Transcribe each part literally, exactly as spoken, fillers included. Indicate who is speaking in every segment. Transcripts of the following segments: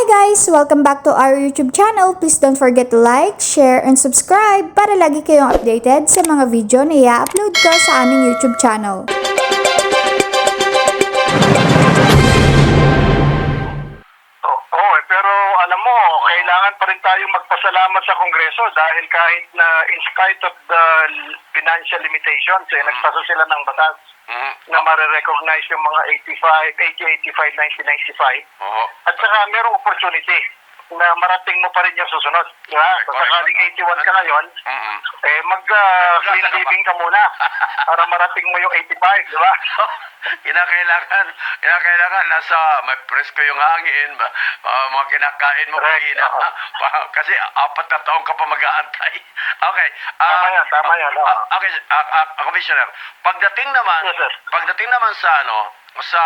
Speaker 1: Hi guys! Welcome back to our YouTube channel. Please don't forget to like, share, and subscribe para lagi kayong updated sa mga video na i-upload ko sa aming YouTube channel.
Speaker 2: Oo, eh, pero alam mo, kailangan pa rin tayong magpasalamat sa Kongreso dahil kahit na in spite of the financial limitations, eh, nagpasa sila ng batas na marirecognize yung mga eighty-five, eighty, eighty-five, ninety, ninety-five.
Speaker 3: Oo.
Speaker 2: At saka merong opportunity na marating mo pa rin yung susunod. Diba? Kung sakaling eighty-one ka ngayon,
Speaker 3: Mm-mm.
Speaker 2: eh mag-clean uh, living ka muna para marating mo yung eighty-five, di ba?
Speaker 3: Kinakailangan, kinakailangan nasa may presko yung hangin, ba, uh, mga kinakain mo
Speaker 2: Correct,
Speaker 3: kanina.
Speaker 2: oo.
Speaker 3: Pa- Kasi apat na taong ka pa mag-aantay. Okay. ah,
Speaker 2: Tama yan, tama yan, oo.
Speaker 3: ah, okay, ah, ah, Commissioner, pagdating naman,
Speaker 2: Yes, sir.
Speaker 3: pagdating naman sa ano, sa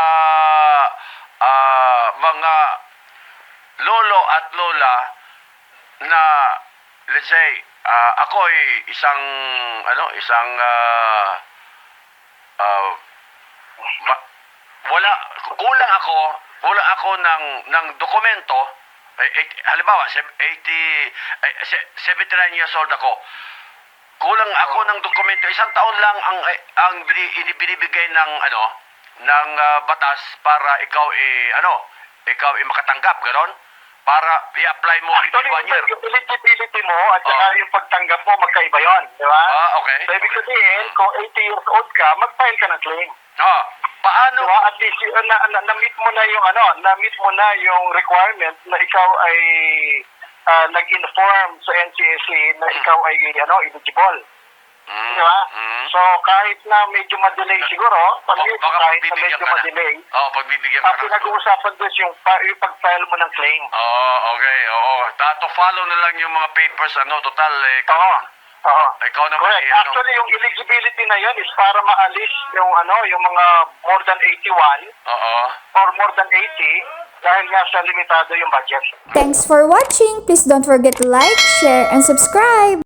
Speaker 3: ah, mga lolo at lola na let's say uh, ako ay isang ano isang uh, uh, ma- wala kulang ako kulang ako ng ng dokumento eh, eh, halimbawa eighty eh, se- seventy-nine years old ako, kulang ako ng dokumento, isang taon lang ang eh, ang bini- binibigay ng ano ng uh, batas para ikaw eh ano ikaw ay makatanggap ganon para i-apply mo
Speaker 2: Actually,
Speaker 3: within one year.
Speaker 2: yung eligibility mo at saka
Speaker 3: Oh.
Speaker 2: yung pagtanggap mo, magkaiba yun, di ba?
Speaker 3: Ah, okay.
Speaker 2: So, ibig sabihin, kung eighty years old ka, mag-file ka ng claim.
Speaker 3: Ah, paano?
Speaker 2: Di ba? At least, yun, na, na, na-meet mo na yung, ano, na-meet mo na yung requirement na ikaw ay ah, nag-inform sa N C S A na ikaw ay, ano, eligible.
Speaker 3: Mm,
Speaker 2: Di ba?
Speaker 3: mm.
Speaker 2: So, kahit na medyo madelay siguro, pag
Speaker 3: Baka- baka
Speaker 2: kahit na
Speaker 3: pagbibigyan
Speaker 2: medyo
Speaker 3: ka na.
Speaker 2: madelay,
Speaker 3: Oo, pagbibigyan
Speaker 2: ang
Speaker 3: ka na.
Speaker 2: pinag-uusapan doon yung, pa- yung pag-file mo ng claim.
Speaker 3: Oo, okay, oo. Tato follow na lang yung mga papers, ano, total, eh, ikaw,
Speaker 2: Oo. Oo.
Speaker 3: ikaw naman,
Speaker 2: Correct.
Speaker 3: eh, ano.
Speaker 2: Actually, yung eligibility na yun is para maalis yung ano, yung mga more than eighty-one
Speaker 3: Oo.
Speaker 2: or more than eighty dahil nga sa limitado yung budget.
Speaker 1: Thanks for watching! Please don't forget to like, share, and subscribe!